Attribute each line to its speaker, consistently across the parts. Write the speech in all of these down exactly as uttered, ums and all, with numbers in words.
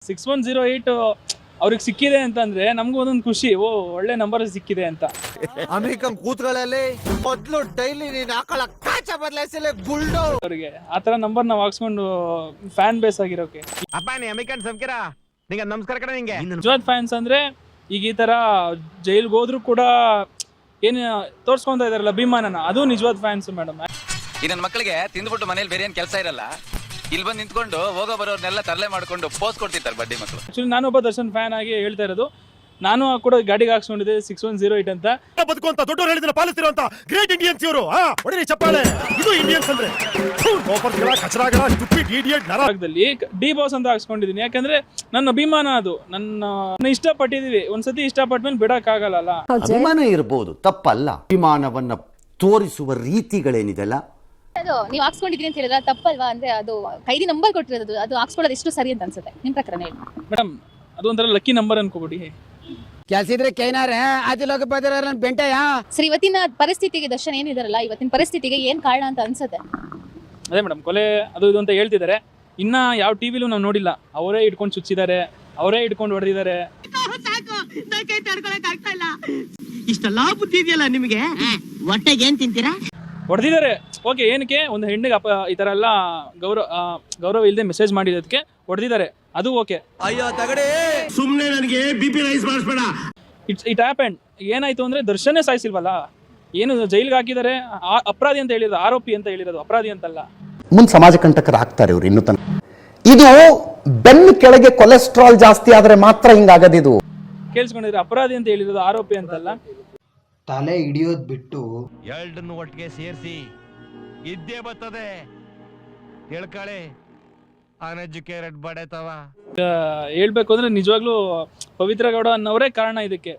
Speaker 1: Six one zero eight ಅವ್ರಿಗೆ ಸಿಕ್ಕಿದೆ ಅಂತಂದ್ರೆ ನಮ್ಗೂ ಒಂದೊಂದು ಖುಷಿ, ಓ ಒಳ್ಳೆ ನಂಬರ್ ಸಿಕ್ಕಿದೆ ಅಂತ.
Speaker 2: ಅಮೆರಿಕನ್ ಕೂತ್ಗಳಲ್ಲಿ ಮೊದ್ಲು ಡೈಲಿ ನೀನ್ ಹಾಕೊಳ್ಳ ಕಾಚ ಬದಲಾಯಿಸಲೇ ಬುಲ್ಡೋ
Speaker 1: ಅವ್ರಿಗೆ ಆತರ ನಂಬರ್ ನಾವು ಹಾಕ್ಸ್ಕೊಂಡು ಫ್ಯಾನ್ ಬೇಸ್ ಆಗಿರೋಕೆ.
Speaker 3: ಅಪ್ಪ ನೀ ಅಮೆರಿಕನ್ ಸಂಸ್ಕಾರ ನಿಂಗೆ ನಮಸ್ಕಾರ ಕಡೆ ನಿಂಗೆ
Speaker 1: ನಿಜವಾದ ಫ್ಯಾನ್ಸ್ ಅಂದ್ರೆ ಈಗ ಈ ತರ ಜೈಲ್ಗೆ ಹೋದ್ರು ಕೂಡ ಏನ್ ತೋರ್ಸ್ಕೊಂತ ಇದಾರಲ್ಲ ಅಭಿಮಾನನ, ಅದು ನಿಜವಾದ ಫ್ಯಾನ್ಸ್ ಮೇಡಮ್.
Speaker 4: ಈ ನನ್ನ ಮಕ್ಕಳಿಗೆ ತಿಂದ್ಬಿಟ್ಟು ಮನೇಲಿ ಬೇರೆ ಏನ್ ಕೆಲಸ ಇರಲ್ಲ, ಇಲ್ಲಿ ಬಂದು ನಿಂತ್ಕೊಂಡು ಹೋಗೋ ಬರೋರ್ನೆಲ್ಲ ತರಲೆ ಮಾಡ್ಕೊಂಡು ಪೋಸ್ ಕೊಡ್ತಿರ್ತಾರೆ ಬಡ್ಡಿ ಮಕ್ಕಳು.
Speaker 1: ಆಕ್ಚುಲಿ ನಾನು ಒಬ್ಬ ದರ್ಶನ್ ಫ್ಯಾನ್ ಆಗಿ ಹೇಳ್ತಾ ಇರೋದು, ನಾನು ಕೂಡ ಗಾಡಿಗೆ ಹಾಕ್ಸ್ಕೊಂಡಿದ್ದೆ ಸಿಕ್ಸ್ ಒನ್ ಜೀರೋ ಏಟ್ ಅಂತ.
Speaker 5: ಬದುಕುವಂತ ದೊಡ್ಡವರು ಹೇಳಿದ್ರೆ ಪಾಲಿಸ್ತಿರುವಂತ ಗ್ರೇಟ್ ಇಂಡಿಯನ್ಸ್ ಇವರು. ಹೊಡಿರಿ ಚಪ್ಪಾಳೆ, ಇದು ಇಂಡಿಯನ್ಸ್ ಅಂದ್ರೆ ಕಚರಾಗಳ ಸ್ಟುಪಿಡ್ ಇಡಿಯಟ್
Speaker 1: ನರಕದಲ್ಲಿ ಡಿ ಬಾಸ್ ಅಂತ ಹಾಕ್ಸ್ಕೊಂಡಿದೀನಿ. ಯಾಕಂದ್ರೆ ನನ್ನ ಅಭಿಮಾನ, ಅದು ನನ್ನ ಇಷ್ಟಪಟ್ಟಿದೀವಿ. ಒಂದ್ಸತಿ ಇಷ್ಟಪಟ್ಮೇಲೆ ಬಿಡಕ್ ಆಗಲ್ಲ.
Speaker 6: ಅಭಿಮಾನ ಇರಬಹುದು, ತಪ್ಪಲ್ಲ. ಅಭಿಮಾನವನ್ನ ತೋರಿಸುವ ರೀತಿಗಳೇನಿದೆಲ್ಲ
Speaker 7: ಅದು ನೀವು ಹಾಕ್ಸ್ಕೊಂಡಿದ್ರಿ ಅಂತ ಹೇಳಿದ್ರೆ ತಪ್ಪಲ್ವಾ? ಅಂದ್ರೆ ಅದು ಕೈದಿ ನಂಬರ್ ಕೊಟ್ಟಿರೋದು, ಅದು ಹಾಕ್ಸ್ಕೊಳ್ಳೋದು ಎಷ್ಟು ಸರಿ ಅಂತ ಅನ್ಸುತ್ತೆ ನಿಮ್ ಪ್ರಕಾರ ಹೇಳಿ
Speaker 1: ಮೇಡಮ್? ಅದು ಒಂಥರ ಲಕ್ಕಿ ನಂಬರ್ ಅನ್ಕೋಬಿಡಿ.
Speaker 8: ಕೆಲ್ಸಿದ್ರೆ ಕೈನಾರ ಆದಿಲೋಕ ಬದರ ಬೆಂಟೆಯ.
Speaker 7: ಸರ್, ಇವತ್ತಿನ ಪರಿಸ್ಥಿತಿಗೆ ದರ್ಶನ್ ಏನಿದಾರಲ್ಲ, ಇವತ್ತಿನ ಪರಿಸ್ಥಿತಿಗೆ ಏನ್ ಕಾರಣ ಅಂತ ಅನ್ಸುತ್ತೆ?
Speaker 1: ಅದೇ ಮೇಡಮ್, ಕೊಲೆ ಅದು ಇದು ಅಂತ ಹೇಳ್ತಿದ್ದಾರೆ. ಇನ್ನ ಯಾವ ಟಿವಿಲೂ ನಾವು ನೋಡಿಲ್ಲ. ಅವರೇ ಇಟ್ಕೊಂಡು ಚುಚ್ಚಿದ್ದಾರೆ, ಅವರೇ ಇಟ್ಕೊಂಡು ಹೊಡೆದಿದ್ದಾರೆ.
Speaker 8: ಇಷ್ಟೆಲ್ಲಾ ಬುದ್ಧಿ ಇದೆಯಲ್ಲ ನಿಮಗೆ, ಹೊಟ್ಟೆಗೆ ಏನ್ ತಿಂತೀರಾ?
Speaker 1: ಹೊಡೆದಿದ್ದಾರೆ. ಓಕೆ, ಏನಕ್ಕೆ ಒಂದು ಹೆಣ್ಣಿಗೆ ಅಪ ಈ ತರ ಎಲ್ಲ ಗೌರವ ಗೌರವ ಇಲ್ಲದೆ ಮೆಸೇಜ್ ಮಾಡಿದಕ್ಕೆ ಹೊಡೆದಿದ್ದಾರೆ, ಅದು ಓಕೆ.
Speaker 2: ಅಯ್ಯೋ ತಗಡೆ
Speaker 5: ಸುಮ್ನೆ ನನಗೆ ಬಿಪಿ ರೈಸ್ ಮಾಡಿಸ್ಬೇಡ.
Speaker 1: It's it happened. ಏನಾಯ್ತು ಅಂದ್ರೆ ದರ್ಶನೇ ಸಾಯಿಸಿಲ್ವಲ್ಲ, ಏನು ಜೈಲ್ಗೆ ಹಾಕಿದ್ದಾರೆ. ಅಪರಾಧಿ ಅಂತ ಹೇಳಿರೋದು, ಆರೋಪಿ ಅಂತ ಹೇಳಿರೋದು, ಅಪರಾಧಿ ಅಂತಲ್ಲ.
Speaker 6: ಮುಂದೆ ಸಮಾಜ ಕಂಟಕರಾಗ್ತಾರೆ ಇವ್ರು ಇನ್ನು ತನಕ. ಇದು ಬೆನ್ನು ಕೆಳಗೆ ಕೊಲೆಸ್ಟ್ರಾಲ್ ಜಾಸ್ತಿ ಆದ್ರೆ ಮಾತ್ರ ಹಿಂಗಾಗದಿದು.
Speaker 1: ಕೇಳಿಸ್ಕೊಂಡಿದ್ರೆ ಅಪರಾಧಿ ಅಂತ ಹೇಳಿರೋದು, ಆರೋಪಿ ಅಂತಲ್ಲ.
Speaker 9: ತಲೆ ಹಿಡಿಯೋದ್ ಬಿಟ್ಟು
Speaker 3: ಎರಡನ್ನು ಒಟ್ಟಿಗೆ ಸೇರಿಸಿ ಇದ್ದೇ ಬರ್ತದೆ. ಹೇಳ್ಕಳೆ ಅನ್ಎಜುಕೇಟೆಡ್ ಬಡತವ.
Speaker 1: ಹೇಳ್ಬೇಕು ಅಂದ್ರೆ ನಿಜವಾಗ್ಲೂ ಪವಿತ್ರ ಗೌಡ ಅನ್ನೋರೇ ಕಾರಣ ಇದಕ್ಕೆ.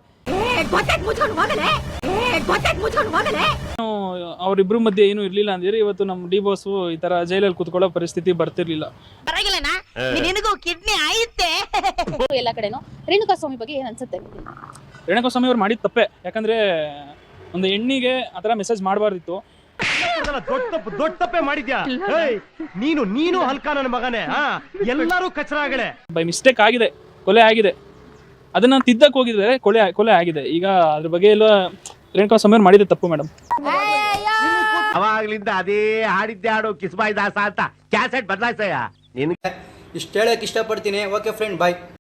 Speaker 1: ಅವರಿಬ್ರು ಮಧ್ಯೆ ಏನು ಇರ್ಲಿಲ್ಲ ಅಂದ್ರೆ ಇವತ್ತು ನಮ್ಮ ಡಿ ಬಾಸ್ ಈ ತರ ಜೈಲಲ್ಲಿ ಕುತ್ಕೊಳ್ಳೋ ಪರಿಸ್ಥಿತಿ ಬರ್ತಿರ್ಲಿಲ್ಲ.
Speaker 7: ಎಲ್ಲ ಕಡೆನೂ ರೇಣುಕಾ ಸ್ವಾಮಿ ಬಗ್ಗೆ ಏನ್ ಅನ್ಸುತ್ತೆ?
Speaker 1: ರೇಣುಕಾ ಸ್ವಾಮಿ ಅವ್ರು ಮಾಡಿದ ತಪ್ಪೆ. ಯಾಕಂದ್ರೆ ಒಂದು ಹೆಣ್ಣಿಗೆ ಆತರ ಮೆಸೇಜ್ ಮಾಡಬಾರ್ದಿತ್ತು.
Speaker 3: ದೊಡ್ಡ ತಪ್ಪು ದೊಡ್ಡ ತಪ್ಪೆ ಮಾಡಿದ್ಯಾ ನೀನು ನೀನು ಹಲ್ಕ ನನ್ನ ಮಗನೇ. ಎಲ್ಲರೂ ಕಚರಾಗಳೇ.
Speaker 1: ಬೈ ಮಿಸ್ಟೇಕ್ ಆಗಿದೆ, ಕೊಲೆ ಆಗಿದೆ. ಅದನ್ನ ತಿದ್ದಕ್ಕೆ ಹೋಗಿದ್ದಾರೆ, ಕೊಲೆ ಕೊಲೆ ಆಗಿದೆ. ಈಗ ಅದ್ರ ಬಗ್ಗೆ ಎಲ್ಲ ರೇಣುಕಾ ಸ್ವಾಮಿ ಅವ್ರು ಮಾಡಿದ ತಪ್ಪು ಮೇಡಮ್.
Speaker 3: ಅವಾಗ್ಲಿಂದ ಅದೇ ಹಾಡಿದ್ದೆ ಹಾಡು ಕಿಸ್ಬಾಯ್ ದಾಸ ಅಂತ ಕ್ಯಾಸೆಟ್ ಬದಲಾಯಿಸಯ್ಯ.
Speaker 9: ಇಷ್ಟ ಹೇಳಕ್ ಇಷ್ಟಪಡ್ತೀನಿ. ಓಕೆ ಫ್ರೆಂಡ್, ಬಾಯ್.